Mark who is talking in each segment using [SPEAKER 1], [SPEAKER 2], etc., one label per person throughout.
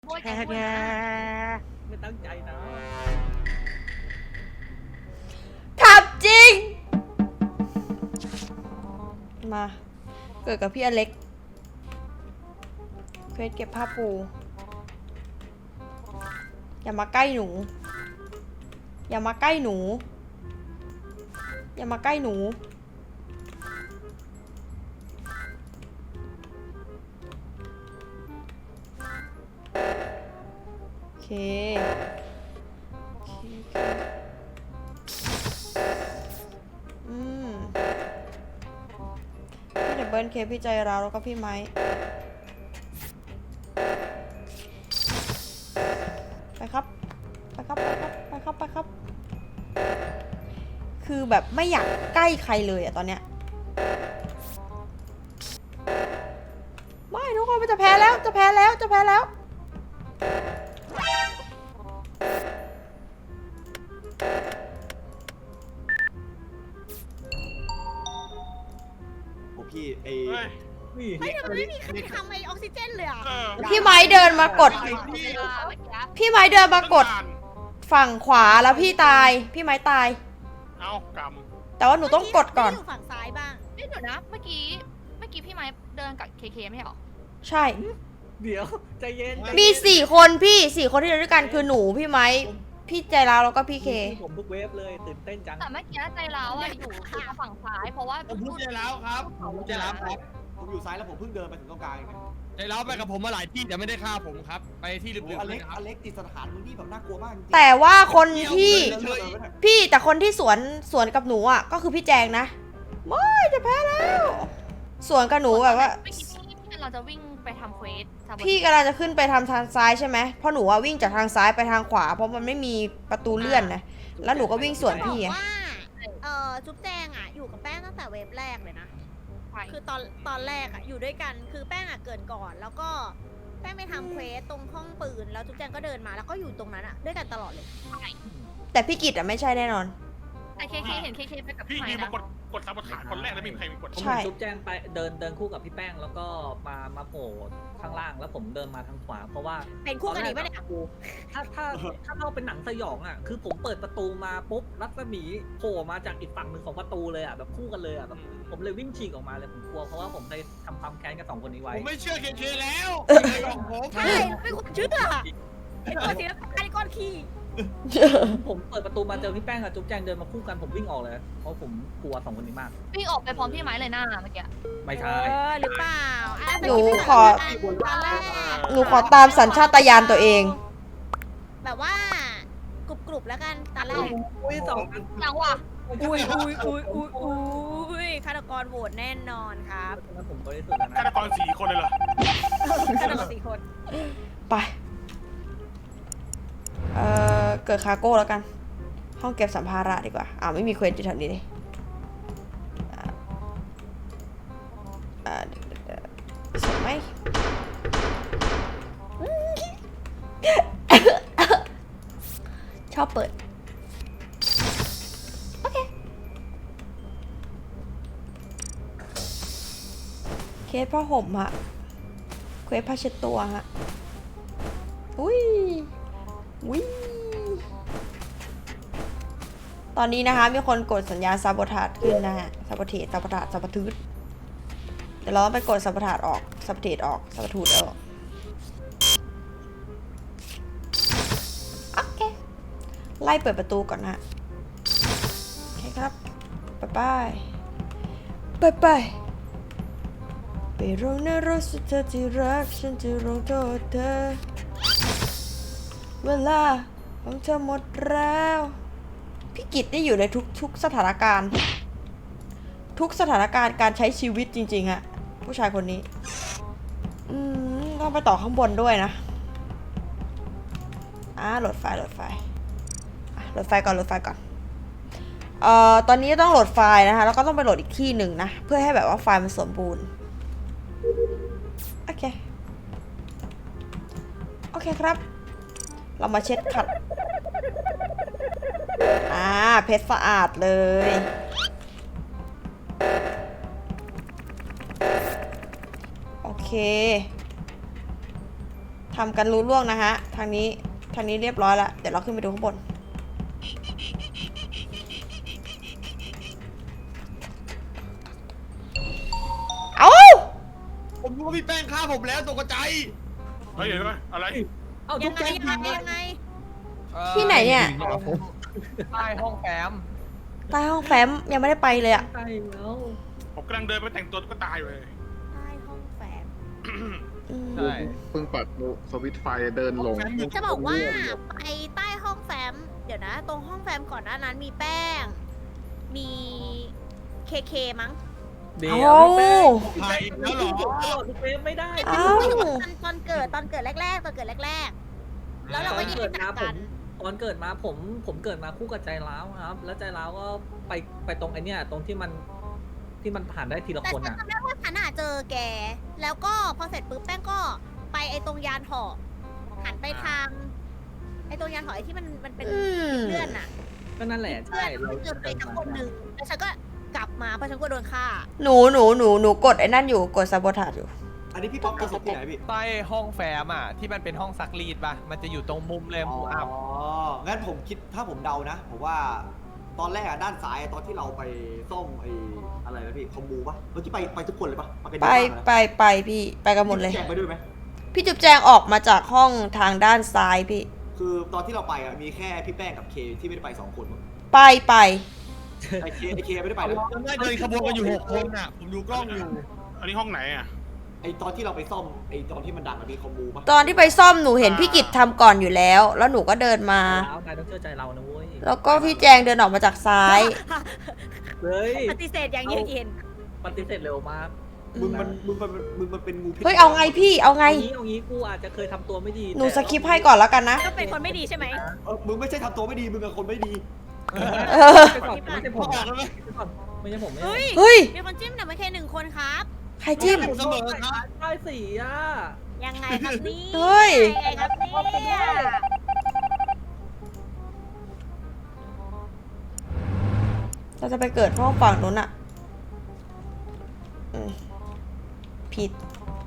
[SPEAKER 1] แค่ไม่ตั้งใจนะ
[SPEAKER 2] ขับจริงมาเกิดกับพี่อเล็กเควสเก็บผ้าปูอย่ามาใกล้หนูอย่ามาใกล้หนูอย่ามาใกล้หนูโอเคพี่ดับเบิลเคพี่ใจเราแล้วก็พี่ไม้ไปครับไปครับไปครับไปครับไปครับคือแบบไม่อยากใกล้ใครเลยอะตอนเนี้ยไม่ทุกคนมันจะแพ้แล้วจะแพ้แล้วจะแพ้แล้ว
[SPEAKER 3] พี่
[SPEAKER 4] ไม่ทำไมไม่มีใครทำไอออกซิเจนเลยอ่ะ
[SPEAKER 2] พี่ไม้เดินมากดพี่ไม้เดินมากดฝั่งขวาแล้วพี่ตายพี่ไม้ตาย
[SPEAKER 5] เอากำ
[SPEAKER 2] แต่ว่าหนูต้องกดก่อน
[SPEAKER 4] อยู่ฝั่งซ้ายบ้าง
[SPEAKER 6] เดี๋ยวนะเมื่อกี้พี่ไม้เดินกับเคไม่ใช่หรอ
[SPEAKER 2] ใช่
[SPEAKER 1] เดี๋ยวใจเย็น
[SPEAKER 2] มี4 คนพี่4 คนที่เดินด้วยกันคือหนูพี่ไม้พี่ใจร้าวแล้วก็พี่เค
[SPEAKER 1] ผมทุกเวฟเลยตื่นเต้นจัง
[SPEAKER 6] แต่เมื่อกี้ใจร้าวอยู่ฝั่งซ้ายเพราะว่า
[SPEAKER 3] ผมพูดใจร้าวครับผมใจร้าวครับผมอยู่ซ้ายแล้วผมเพิ่งเดินไปถึงตรงกลางเอง
[SPEAKER 5] ใจร้าวไปกับผมมาหลายที่แต่ไม่ได้ฆ่าผมครับไปที่ลึกๆ
[SPEAKER 3] อเล็กติดสถานที่แบบน่ากลัวมากจริง
[SPEAKER 2] แต่ว่าคนที่พี่แต่คนที่สวนกับหนูอ่ะก็คือพี่แจงนะไม่จะแพ้แล้วสวนกับหนูแบบว่า
[SPEAKER 6] พี่เราจะวิ่งไปทำเควส
[SPEAKER 2] พี่กำลังจะขึ้นไปทำทางซ้ายใช่ไหมเพราะหนูว่าวิ่งจากทางซ้ายไปทางขวาเพราะมันไม่มีประตูเลื่อนนะแล้วหนูก็วิ่งสวนพี่
[SPEAKER 4] ว่าจุ๊บแจงอ่ะอยู่กับแป้งตั้งแต่เวฟแรกเลยนะคือตอนแรกอ่ะอยู่ด้วยกันคือแป้งอ่ะเกิดก่อนแล้วก็แป้งไปทำเควสตรงห้องปืนแล้วจุ๊บแจงก็เดินมาแล้วก็อยู่ตรงนั้นอ่ะด้วยกันตลอดเลย
[SPEAKER 2] แต่พี่กิตอ่ะไม่ใช่แน่นอน
[SPEAKER 6] ไอเคเห็นเคไปกับ
[SPEAKER 5] พี่ยืน
[SPEAKER 6] นะ
[SPEAKER 5] กดซับฐานคนแรกแล้วมีใครกด
[SPEAKER 1] ใช่จุ๊บแจงไปเดินคู่กับพี่แป้งแล้วก็มาโผล่ข้างล่างแล้วผมเดินมาทางขวาเพราะว่า
[SPEAKER 4] เป็นคู่กันนี้ไม่ได้
[SPEAKER 1] ถ้าเราเป็นหนังสยองอ่ะคือผมเปิดประตูมาปุ๊บรัศมีโผล่มาจากอีกฝั่งหนึ่งของประตูเลยอ่ะแบบคู่กันเลยอ่ะแบบผมเลยวิ่งฉีกออกมาเลยผมกลัวเพราะว่าผมเคยทำความแค้นกับ2 คนนี้ไว้
[SPEAKER 5] ผมไม่เชื่อเคแล้วผม
[SPEAKER 4] ใช่ไม่ควรเชื่อไอ้ก้อนสีน้ำตาลไอ้ก้อนขี้
[SPEAKER 1] ผมเปิดประตูมาเจอพี่แป้งกับจุ๊บแจงเดินมาคู่กันผมวิ่งออกเลยเพราะผมกลัว2 คนนี้มาก
[SPEAKER 6] วิ่งออกไปพร้อมพี่ไม้เลยหน้าเมื่อกี้
[SPEAKER 1] ไม่ใช่
[SPEAKER 4] หรือเปล่า
[SPEAKER 2] หนูขอตามสัญชาตญาณตัวเอง
[SPEAKER 4] แบบว่ากรุบแล้วกันตอนแรก
[SPEAKER 1] อุ้ย
[SPEAKER 6] จังว่ะ
[SPEAKER 4] อุ้ยฆาตกรโหวตแน่นอนครับ
[SPEAKER 1] ผมบริสุทธิ์แล้วนะ
[SPEAKER 5] ฆาตกร4 คนเลยเหรอ
[SPEAKER 4] ฆาตกร4 คน
[SPEAKER 2] ไปเกิดคาโก้แล้วกันห้องเก็บสัมภาระดีกว่าไม่มีเควสอยู่แถวนี้เลยใช่ไหมชอบเปิดโอเคเคสผ้าห่มฮะเควสผ้าเช็ดตัวฮะอุ้ยตอนนี้นะคะมีคนกดสัญญาณซาโบทาจขึ้นนะฮะซาโบเทสซาโบทาจซาโบทูดเดี๋ยวเราต้องไปกดซาโบทาจออกซาโบเทสออกซาโบทูดออกโอเคไล่เปิดประตูก่อนนะโอเคครับไปลงในรถสุดเธอที่รักฉันจะลงโทษเธอเวลาของเธอหมดแล้วพี่กิตได้อยู่ในทุกสถานการณ์การใช้ชีวิตจริงๆอะผู้ชายคนนี้ต้องไปต่อข้างบนด้วยนะโหลดไฟก่อนตอนนี้ต้องโหลดไฟล์นะคะแล้วก็ต้องไปโหลดอีกที่หนึ่งนะเพื่อให้แบบว่าไฟล์มันสมบูรณ์โอเคครับเรามาเช็ดขัดเพชรสะอาดเลยโอเคทำกันรู้ล่วงนะฮะ ทางนี้เรียบร้อยแล้ว เดี๋ยวเราขึ้นไปดูข้างบน เอ้า
[SPEAKER 5] ผมรู้ว่าพี่แป้งฆ่าผมแล้วตกใจ
[SPEAKER 7] เฮ้ยเห็นไหมอะไร
[SPEAKER 1] เอ้า
[SPEAKER 4] ยั
[SPEAKER 1] ทุ
[SPEAKER 4] ง
[SPEAKER 1] ก
[SPEAKER 4] ไง
[SPEAKER 1] แก
[SPEAKER 4] ยังไง
[SPEAKER 2] ที่ไหนเนี่ย
[SPEAKER 8] ใต้ห้องแฟ้ม
[SPEAKER 2] ใต้ห้องแฟ้มยังไม่ได้ไปเลยอะ
[SPEAKER 1] ใช่แล้ว
[SPEAKER 7] ผมกำลังเดินไปแต่งตัวก็ตายเลย
[SPEAKER 4] ใต้ห้องแฟ้ม
[SPEAKER 2] อืม
[SPEAKER 8] ใช่
[SPEAKER 9] เพิ่งปัดสวิตช์ไฟเดินลง
[SPEAKER 4] จะบอกว่าไปใต้ห้องแฟ้มเดี๋ยวนะ ตรงห้องแฟ้มก่อนหน้านั้นมีแป้ง มีเคมั้ง
[SPEAKER 1] เดี๋ยว
[SPEAKER 2] เอ้า
[SPEAKER 1] พี่แป้ง
[SPEAKER 5] ใครแล้วเหรอ
[SPEAKER 1] ตลอดทุกเฟซไม่ได้
[SPEAKER 2] เอ้า
[SPEAKER 4] ตอนเกิดแรกๆแล้วเราก็แยกจากกัน
[SPEAKER 1] ตอนเกิดมาผมเกิดมาคู่กับใจร้าวครับ แล้วใจร้าวก็ไปตรงไอเนี้ยตรงที่มันผ่านได้ทีละ
[SPEAKER 4] แต่
[SPEAKER 1] คน
[SPEAKER 4] ฉัน
[SPEAKER 1] อ่ะ
[SPEAKER 4] จำได้ว่าฉันเจอแก แล้วก็พอเสร็จปุ๊บแป้งก็ไปไอ้ตรงยานหอหันไปทางไอ้ตรงยานหอไอ้ที่มันเป็น
[SPEAKER 2] อืม
[SPEAKER 4] เพื่อนน่ะ
[SPEAKER 1] ก็นั่นแหละ
[SPEAKER 4] เพื่
[SPEAKER 1] ใช่
[SPEAKER 4] อนมันเจอไปกับคนหนึ่งแล้วฉันก็กลับมาเพราะฉันก็โดนฆ่า
[SPEAKER 2] หนูกดไอ้นั่นอยู่กดซาโบทาอยู่
[SPEAKER 3] อันนี้พี่ป๊อปกระสุนที่ไหนพี่
[SPEAKER 8] ใต้ห้องแฟ้มอ่ะที่มันเป็นห้องซักรีดป่ะมันจะอยู่ตรงมุมเลยมุมอับ
[SPEAKER 3] งั้นผมคิดถ้าผมเดานะผมว่าตอนแรกด้านซ้ายตอนที่เราไปซ่อมไอ้อะไรนะพี่คอมมูปะเมื่อกี้ไปทุกคนเลยปะกัน
[SPEAKER 2] ไป
[SPEAKER 3] เยอะมากนะ
[SPEAKER 2] ไปพี่ไปกันหมดเลย
[SPEAKER 3] แจกไปด้วยไหม
[SPEAKER 2] พี่จุ๊บแจงออกมาจากห้องทางด้านซ้ายพี่
[SPEAKER 3] คือตอนที่เราไปมีแค่พี่แป้งกับเคที่ไม่ได้ไป2 คนมั้ง
[SPEAKER 2] ไป
[SPEAKER 3] ไอเคไม่ได้ไปนะ
[SPEAKER 5] จำได้เดินขบวนกันอยู่6 คนอ่ะ ผมดูกล้องอยู่
[SPEAKER 7] อันนี้ห้องไหนอ่ะ
[SPEAKER 3] ไอตอนที่เราไปซ่อมไอตอนที่มันดังมีคอมมูปะ
[SPEAKER 2] ตอนที่ไปซ่อมหนูเห็นพี่กิจทำก่อนอยู่แล้ว แล้วหนูก็เดินมา
[SPEAKER 1] แล้วนายต้องเชื่อใจเรานะเว้ย
[SPEAKER 2] แล้วก็พี่แจงเดินออกมาจากซ้าย
[SPEAKER 1] เฮ้ย
[SPEAKER 4] ปฏิเสธอย่างเยือกเย็น
[SPEAKER 1] ปฏิเสธเร็วมาก
[SPEAKER 3] มึงมันเป็นงูพิษ
[SPEAKER 2] เฮ้ยเอาไงพี่เอาไง
[SPEAKER 1] เอางี้กูอาจจะเคยทำตัวไม่ดี
[SPEAKER 2] หนูสคิปให้ก่อนแล้วกันนะ
[SPEAKER 4] ก็เป็นคนไม่ดีใช่ไหม
[SPEAKER 3] มึงไม่ใช่ทำตัวไม่ดีมึงเป็นคนไม่ดี
[SPEAKER 2] เออ
[SPEAKER 1] ไม่ใช่ผมไม่ใช่ผม
[SPEAKER 4] เฮ้ย
[SPEAKER 2] เฮ้ย
[SPEAKER 4] มีคนจิ้มแต่ไม่แค่1 คนครับ
[SPEAKER 2] ใครจิ้ม
[SPEAKER 5] เสมอครับ
[SPEAKER 1] ได้สีอ่ะ
[SPEAKER 4] ยังไงครับนี่
[SPEAKER 2] เฮ้ย
[SPEAKER 4] ยังไงครับเนี่ย
[SPEAKER 2] เราจะไปเกิดห้องฝั่งนู้นอะอืมผิด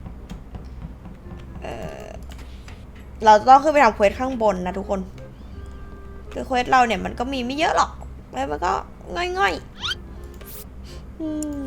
[SPEAKER 2] เราต้องขึ้นไปทำเควสข้างบนนะทุกคน คือเควสเราเนี่ยมันก็มีไม่เยอะหรอก แล้วมันก็ง่อยๆ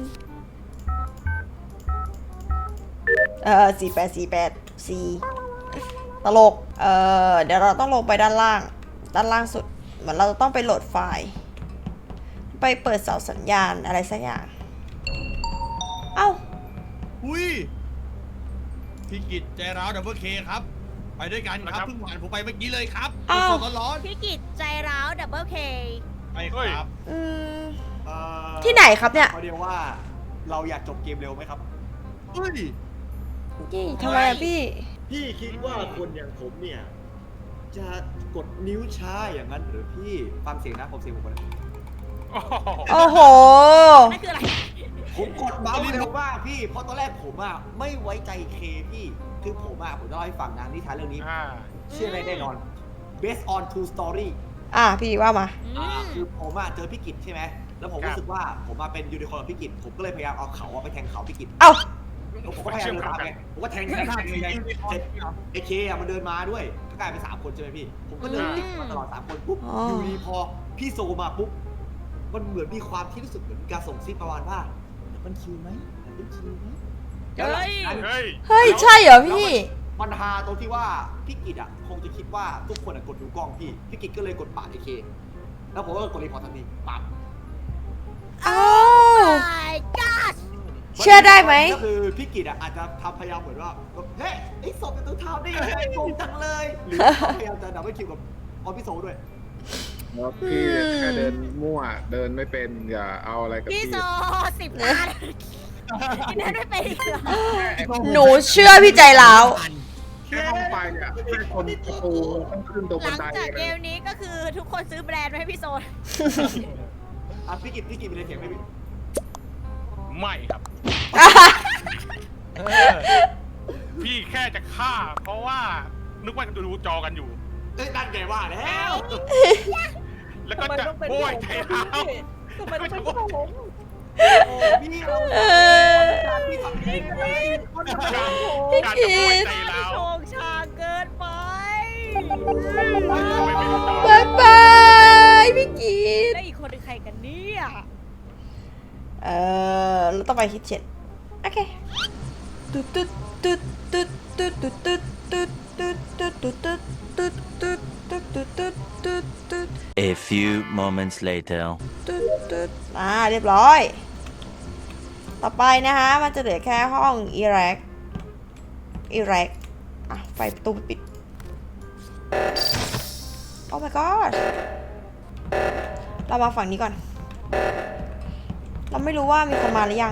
[SPEAKER 2] 4848ตลก เดี๋ยวเราต้องลงไปด้านล่างสุด เหมือนเราจะต้องไปโหลดไฟล์ ไปเปิดเสาสัญญาณอะไรสักอย่าง เอ้า
[SPEAKER 5] อุ้ยพี่กิจใจร้าวดับเบิลเคครับ ไปด้วยกันครับเพิ่งผ่านผมไปเมื่อกี้เลยครับ
[SPEAKER 2] อ้าว
[SPEAKER 5] สดๆร้อน
[SPEAKER 4] พี่กิจใจร้าวดับเบิลเค
[SPEAKER 5] ๆไปครับ
[SPEAKER 2] อืม ที่ไหนครับเนี่ย
[SPEAKER 3] เขาเรียกว่าเราอยากจบเกมเร็วไหมครับ
[SPEAKER 5] เฮ้ย
[SPEAKER 2] ยี่ทำไมอะพี่
[SPEAKER 3] พี่คิดว่าคนอย่างผมเนี่ยจะกดนิ้วช้าอย่างนั้นหรือพี่ฟังเสียงนะผมเสียงผมก่อนนะ
[SPEAKER 2] โอ้โห
[SPEAKER 4] นั่นคืออะไร
[SPEAKER 3] ผมกดเมาส์เร็วมากพี่เพราะตอนแรกผมไม่ไว้ใจเคพี่คือผมจะเล่าให้ฟังนะนิทานเรื่องนี้ เชื่อได้แน่นอน based on true story
[SPEAKER 2] พี่ว่ามา
[SPEAKER 3] คือผมเจอพี่กิจใช่ไหมแล้วผมรู้สึกว่าผมเป็นยูนิคอร์นกับพี่กิจผมก็เลยพยายามเอาเขาไปแทงเขาพี่กิจ
[SPEAKER 2] เอ้า
[SPEAKER 3] แล้วผมก็พยายามเดินตามไงผมก็แทงไงเสร็จไอเคมันเดินมาด้วยก็กลายเป็น3 คนใช่ไหมพี่ผมก็เดินติดมาตลอด3 คนปุ๊บ
[SPEAKER 2] อ๋อ
[SPEAKER 3] อยู่ดีพอพี่โซมาปุ๊บมันเหมือนมีความที่รู้สึกเหมือนการส่งซิกประมาณว่ามันคิวไหมมันคิวไหม
[SPEAKER 4] เฮ้ย
[SPEAKER 7] เฮ้ย
[SPEAKER 2] เฮ้ย ใช่เหรอพี่
[SPEAKER 3] มันฮาตรงที่ว่าพี่กิจคงจะคิดว่าทุกคนกดดูกล้องพี่กิจก็เลยกดปาดไอเคแล้วผมก็กดรีพอร์ตทันทีปั๊บ
[SPEAKER 2] อ้าว
[SPEAKER 4] my god
[SPEAKER 2] เชื่อได้ไหม
[SPEAKER 3] ก็คือพี่กิจอาจจะทำพยายามเหมือนว่าเฮ้ยไอ้ศพเป็นตัวเท้าได้ยังไงงงจังเลยหรือเขาพยายามจะดับเบิลคิวกับออฟฟิโซด้วย
[SPEAKER 9] แล้วพี่แค่เดินมั่วเดินไม่เป็นอย่าเอาอะไรกับ
[SPEAKER 4] พี่
[SPEAKER 9] พี่
[SPEAKER 4] โซ10 ล้านกินได้ไม่เป็นอีกเหรอ
[SPEAKER 2] หนูเชื่อพี่ใจร้าว
[SPEAKER 9] แค่ห้องไฟอ่ะแค่คนประตูต้องขึ้นตรง
[SPEAKER 4] ห
[SPEAKER 9] บั
[SPEAKER 4] ลั
[SPEAKER 9] น
[SPEAKER 4] ง
[SPEAKER 9] ได
[SPEAKER 4] จากเกมนี้ก็คือทุกคนซื้อแบรนด์มาให้พี่โซน
[SPEAKER 3] พี่กิจมีอะไรเสียงไหมพี่
[SPEAKER 7] ไม่ครับ
[SPEAKER 8] เออ
[SPEAKER 7] พี่แค่จะฆ่า เพราะว่านึกว่าดูจอกันอยู่
[SPEAKER 3] เอ้ยนั่นไงว่าแล้ว
[SPEAKER 7] แล้วก็
[SPEAKER 1] ทำไม
[SPEAKER 7] จะ
[SPEAKER 1] ต้องเป็น
[SPEAKER 7] โอ้ย
[SPEAKER 1] ผม
[SPEAKER 7] ใจร้าว
[SPEAKER 1] ทำไมต้องเป็นผม
[SPEAKER 3] โอ้พี่เราพี่ทำเองเลย
[SPEAKER 7] การจะโอ้ยใจร้าว
[SPEAKER 4] โชงชางเกิน
[SPEAKER 2] บายบายพี่กีด
[SPEAKER 4] แล้วอีกคนเป็นใครกันเนี่ย
[SPEAKER 2] เราต้องไปคิดเช็ดโอเคตุ๊ดตุ๊ดตุ๊ดตุ๊ดตุ๊ดตุ๊ดตุ๊ดตุ๊ดตุ๊ดตุ๊ดตุ๊ดตุ๊ดตุ๊ดตุ๊ดตุ๊ดตุ๊ดตุ๊ด
[SPEAKER 10] A few moments later.
[SPEAKER 2] ตุ๊ดตุ๊ดเรียบร้อย ต่อไปนะคะมันจะเหลือแค่ห้องอิรักไฟประตูปิด โอ้ my god เรามาฝั่งนี้ก่อน เราไม่รู้ว่ามีคนมาหรือยัง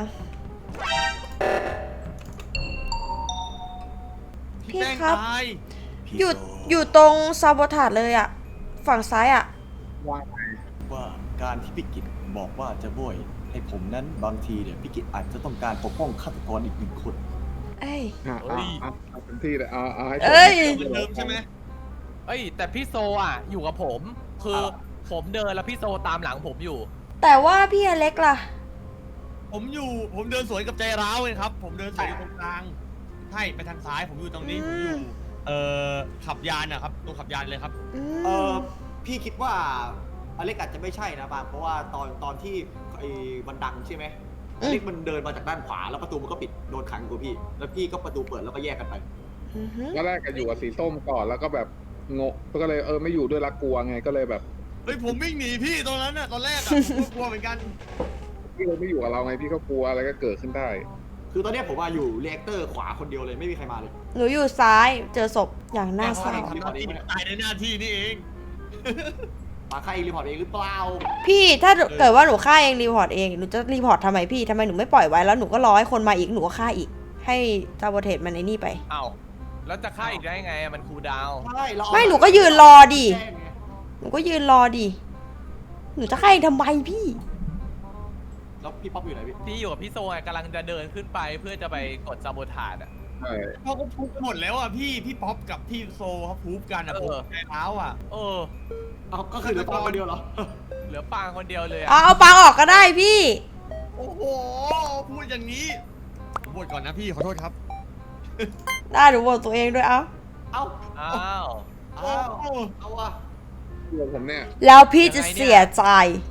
[SPEAKER 2] พี่ครับ อยู่ตรงซาโบทาดเลยอะฝั่งซ้ายอะ
[SPEAKER 3] ว่าการที่พี่กิตบอกว่าจะโบยให้ผมนั้นบางทีเนี่ยพี่กิตอาจจะต้องการปกป้องฆาตกรอีกหนึ่งคน
[SPEAKER 2] เอ้ย
[SPEAKER 9] เอาเป็นที่เลยเอาให้
[SPEAKER 2] เอ้ย
[SPEAKER 5] เหมือนเดิมใช่ไหม
[SPEAKER 8] เอ้ยแต่พี่โซอ่ะอยู่กับผมคือผมเดินแล้วพี่โซตามหลังผมอยู่
[SPEAKER 2] แต่ว่าพี่อเล็กล่ะ
[SPEAKER 5] ผมเดินสวนกับใจร้าวเลยครับ ผมเดินสวนอยู่ตรงกลางใช่ไปทางซ้ายผมอยู่ตรงนี้ผมอยู่ขับยานนะครับตรงขับยานเลยครับ
[SPEAKER 3] พี่คิดว่าอเล็กอาจจะไม่ใช่นะบางเพราะว่าตอนที่ไอ้มันดังใช่ไหมอเล็กมันเดินมาจากด้านขวาแล้วประตูมันก็ปิดโดนขังกูพี่แล้วพี่ก็ประตูเปิดแล้วก็แยกกันไป
[SPEAKER 9] ตอนแรกก็อยู่กับสีส้มก่อนแล้วก็แบบงงก็เลยไม่อยู่ด้วยละกลัวไงก็เลยแบบ
[SPEAKER 5] เฮ้ยผมวิ่งหนีพี่ตรงนั้นน่ะตอนแรกอะผมก็กลัวเหมือนกัน
[SPEAKER 9] พี่เลยไม่อยู่กับเราไงพี่ก็กลัวอะไรก็เกิดขึ้นได้
[SPEAKER 3] คือตอนนี้ผมว่าอยู่เรีแอคเตอร์ขวาคนเดียวเลยไม่มีใครมาเลย
[SPEAKER 2] หนูอยู่ซ้ายเจอศพอย่างน่าเศร้า
[SPEAKER 5] ทำหน้าที่ตายในหน้าที่นี่เอง
[SPEAKER 3] มาใครรีพอร์ตเองหรือเปล่า
[SPEAKER 2] พี่ถ้าเกิดว่าหนูฆ่าเองรีพอร์ตเองหนูจะรีพอร์ตทำไมพี่ทำไมหนูไม่ปล่อยไว้แล้วหนูก็รอให้คนมาอีกหนูก็ฆ่าอีก ให้ซาโบเทสมันไอ้นี่ไป
[SPEAKER 8] เอ้าแล้วจะฆ่าอีกได้ไงมันคูลดาวน์
[SPEAKER 3] ใช่เรา
[SPEAKER 2] ไม่หนูก็ยืนรอดิ
[SPEAKER 3] แจ้งไง
[SPEAKER 2] หนูก็ยืนรอดิหนูจะฆ่าเองทำไมพี่
[SPEAKER 3] แล้วพี่ป๊อปอยู่ไหนพี่
[SPEAKER 8] พี่อยู่กับพี่โซไงกำลังจะเดินขึ้นไปเพื่อจะไปกดซาโบทาดอ่ะ
[SPEAKER 9] ใช่
[SPEAKER 5] เขาก็พูดหมดแล้วอ่ะพี่ป๊อปกับพี่โซเขาพูดกันอ่ะผมใจร้าวอ่ะ
[SPEAKER 3] เอาก็คือเหลือป๊อปคนเดียวเหรอ
[SPEAKER 8] เหลือปางคนเดียวเลย
[SPEAKER 2] เอาปางออกก็ได้พี่
[SPEAKER 5] โอ้โหพูดอย่างนี้ผมบวชก่อนนะพี่ขอโทษครับ
[SPEAKER 2] ได้หนูโหวตตัวเองด้วยเอ้า
[SPEAKER 3] เอา
[SPEAKER 8] อ้าว
[SPEAKER 3] เอาว่ะ
[SPEAKER 9] ตัวผมเนี่ย
[SPEAKER 2] แล้วพี่จะเสียใจ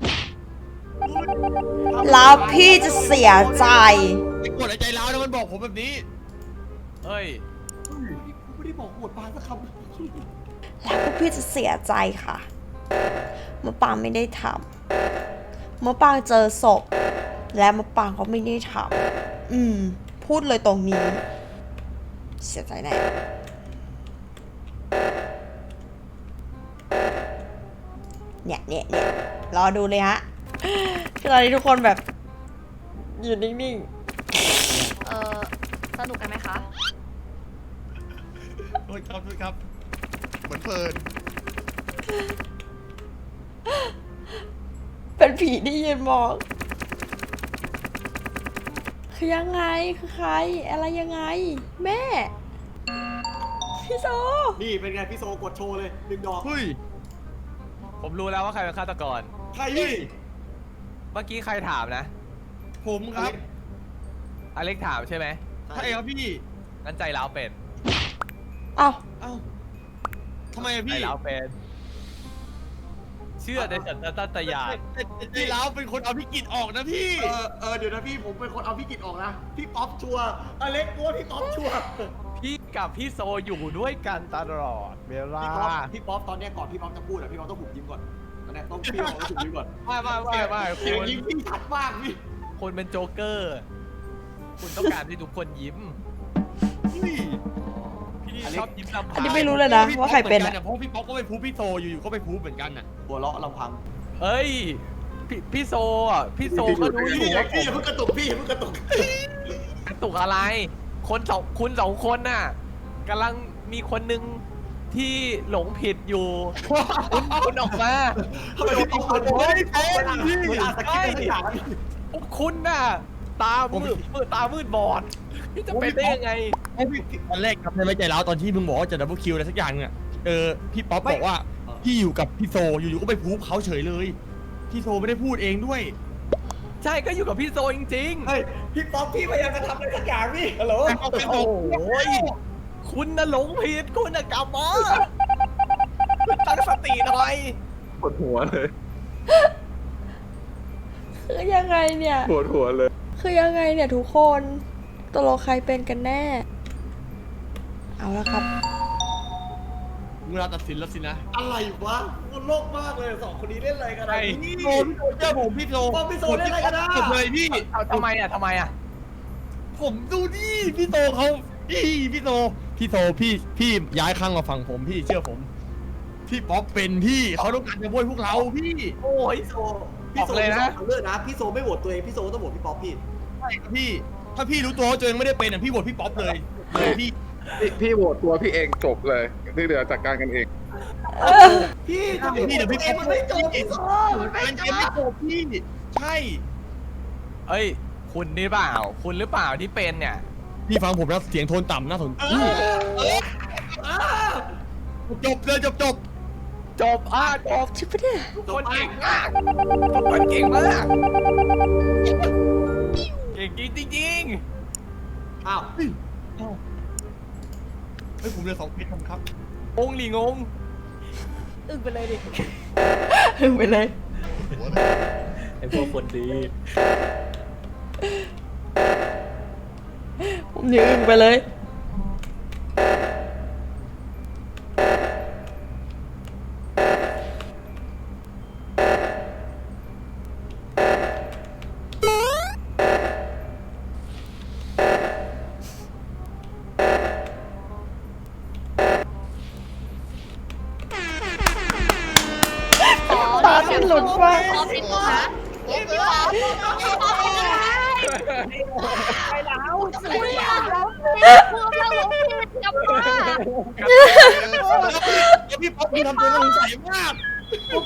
[SPEAKER 2] แล้วพี่จะเสียใจ
[SPEAKER 5] ไอ้กดไอ้ใจร้าวนะมันบอกผมแบบนี้
[SPEAKER 8] เฮ้ย
[SPEAKER 3] ไม่ได้บอกโหวตปาสักคำ
[SPEAKER 2] แล้วพวกพี่จะเสียใจค่ะมะปางไม่ได้ทำมะปางเจอศพ และมะปางก็ไม่ได้ทำพูดเลยตรงนี้ เสียใจแน่เนี่ยรอดูเลยฮะคือตอนนี้ทุกคนแบบอยู่นิ่ง
[SPEAKER 6] สนุกกันไหมคะ
[SPEAKER 5] โทษครับ เหมือนเพลิน
[SPEAKER 2] ๆ เป็นผีที่ยืนมองคือยังไงคือใครอะไรยังไง แม่ พี่โซ
[SPEAKER 3] นี่เป็นไงพี่โซกดโชว์เลยดึงดอก
[SPEAKER 5] เฮ้ย
[SPEAKER 8] ผมรู้แล้วว่าใครเป็นฆาตกร
[SPEAKER 3] ใครพี่
[SPEAKER 8] เมื่อกี้ใครถามนะ
[SPEAKER 5] ผมครับ
[SPEAKER 8] อเล็กถามใช่ไหม
[SPEAKER 5] ใช่ครับพี่
[SPEAKER 8] งั้นใจร้าวเป็น
[SPEAKER 2] เอ้า
[SPEAKER 5] เอ้าทำไมอะ
[SPEAKER 8] ใจ
[SPEAKER 5] พี่
[SPEAKER 8] ร้าวเป็น เชื่อในสัญชาตญาณ
[SPEAKER 5] ใจร้าวเป็นคนเอาพี่กิจออกนะพี่
[SPEAKER 3] เดี๋ยวนะพี่ผมเป็นคนเอาพี่กิตออกนะพี่ป๊อปชัวร์อเล็กกลัวพี่ป๊อปชัวร์
[SPEAKER 8] พี่กับพี่โซอยู่ด้วยกันตลอดเวลา
[SPEAKER 3] พี่ป๊อปตอนเนี้ยก่อนพี่ป๊อปจะพูดอะพี่ป๊อปต้องหุบยิ้มก่อนตอนเนี้ยต้องพี่ป๊อปต้องหุบยิ้มก่อน
[SPEAKER 8] ไม่
[SPEAKER 3] เสียง
[SPEAKER 8] คน
[SPEAKER 3] ยิ้มพี่ชัดมากพี่
[SPEAKER 8] คนเป็นโจ๊กเกอร์ คุณต้องการให้ทุกคนยิ้ม พี่ชอบยิ้มลำ
[SPEAKER 2] อั
[SPEAKER 8] พั
[SPEAKER 2] น
[SPEAKER 8] ง
[SPEAKER 2] นี้ไม่รู้เลยนะว่าใครเป็น
[SPEAKER 5] อะ
[SPEAKER 2] อะ
[SPEAKER 5] เพราะพี่ป๊อปก็ไปพูดพี่โซอยู่ๆก็ไปพูดเหมือนกันน่ะ
[SPEAKER 3] หัวเราะลำพัง
[SPEAKER 8] เฮ้ย พี่โซอ่ะ พี่โซก็รู้อยู่ว่าผ
[SPEAKER 3] พี่
[SPEAKER 8] ม
[SPEAKER 3] อย่าเพิ่งกระตุกพี่อย่าเพิ่งกระตุก
[SPEAKER 8] กระตุกอะไร คุณสองคนน่ะกำลังมีคนหนึ่งที่หลงผิดอยู่ คุณออกมา
[SPEAKER 3] ทำไมพี่ป๊อปคนโอ้ยพี่เวลาสกิปอะไรสักอย่างนะพี่
[SPEAKER 8] พวกคุณน่ะ ตามืดบอด พี่จะเป็นได้ยังไง
[SPEAKER 5] ตอนแรกครับในไม่ใจร้าวตอนที่มึงบอกว่าจะดับเบิลคิวอะไรสักอย่างเนี่ยพี่ป๊อปบอกว่าพี่อยู่กับพี่โซอยู่ๆก็ไปพูดเขาเฉยเลยพี่โซไม่ได้พูดเองด้วย
[SPEAKER 8] ใช่ก็อยู่กับพี่โซจริง
[SPEAKER 3] เฮ้ยพี่ป๊อปพี่พยายามจะทำอะไรสักอย่างพี่ฮัลโหล
[SPEAKER 8] ๆ โอ้โหคุณน่ะหลงผิด คุณน่ะกลับมาติหน่อย
[SPEAKER 9] ปวดหัวเลย
[SPEAKER 2] คือยังไงเนี่ย
[SPEAKER 9] ปวดหัวเลย
[SPEAKER 2] คือยังไงเนี่ยทุกคนตกลงใครเป็นกันแน่ เอาละครับ
[SPEAKER 5] เวลาตัดสินแล้วสินะ
[SPEAKER 3] อะไรวะมันโลกมากเลยสองคนนี้เล่นอะไรกันอะ
[SPEAKER 5] ไอ้
[SPEAKER 3] พี่
[SPEAKER 5] พี่โซเจอผมพี่โซ
[SPEAKER 3] ป้อมพี่โซเล่นอะไรกันอะ
[SPEAKER 5] หมดเลยพี่
[SPEAKER 8] เอาทำไมอ่ะทำไมอ่ะ
[SPEAKER 5] ผมดูดิพี่โซเขาพี่โซพี่ย้ายข้างมาฝั่งผมพี่เชื่อผม พี่ป๊อปเป็นพี่เขาต้องการจะโวยพวกเราพี่
[SPEAKER 3] โอ้ยพี่โซ
[SPEAKER 8] บอกเลยนะ
[SPEAKER 3] พี่โซเลือกนะพี่โซไม่โหวตตัวเองพี่โซต้องโหวตพี่ป๊อปพี่
[SPEAKER 5] ใช่ครับพี่ ถ้าพี่รู้ตัวว่าตัวเองไม่ได้เป็นอ่ะพี่โหวตพี่ป๊อปเลยพี่
[SPEAKER 9] พี่โหวตตัวพี่เองจบเลยที่เหลือจัดการกันเอง
[SPEAKER 3] พี่ทำไม
[SPEAKER 5] พี่เดี๋ยวพี่
[SPEAKER 3] เองมันไม่จบพี่โซมันไม่
[SPEAKER 5] มัน
[SPEAKER 3] จ
[SPEAKER 5] เกมไม่
[SPEAKER 3] บ
[SPEAKER 5] จบพี่ใช่
[SPEAKER 8] เอ้ย คุณนี่เปล่า คุณหรือเปล่าที่เป็นเนี่ย
[SPEAKER 5] พี่ฟังผมนะเสียงโทนต่ำน่าสนใจจบเลยจบ
[SPEAKER 8] จบจบ
[SPEAKER 2] ชิบะเนี่ย
[SPEAKER 8] ทุกคนเก่งมากทุกคนเก่งมาก เก่งจริง
[SPEAKER 3] อ้าว
[SPEAKER 5] เฮ้ยผมเหลย2เพชรครับ
[SPEAKER 8] ๆงงหลีงง
[SPEAKER 4] อึ้งไปเลยดิ
[SPEAKER 2] ถึงไปเลย
[SPEAKER 1] ไอ้พวกคนดี
[SPEAKER 2] ผมยืนไปเลย ตาที่หลุดมาก
[SPEAKER 6] ขอพี่ป๊อปพี่ป๊อปไปแล้วคุยอ่ะพูดแล้วลงพี่จะมา
[SPEAKER 5] พี่ป๊อปพี่ทำตัวน่าสงสัยมาก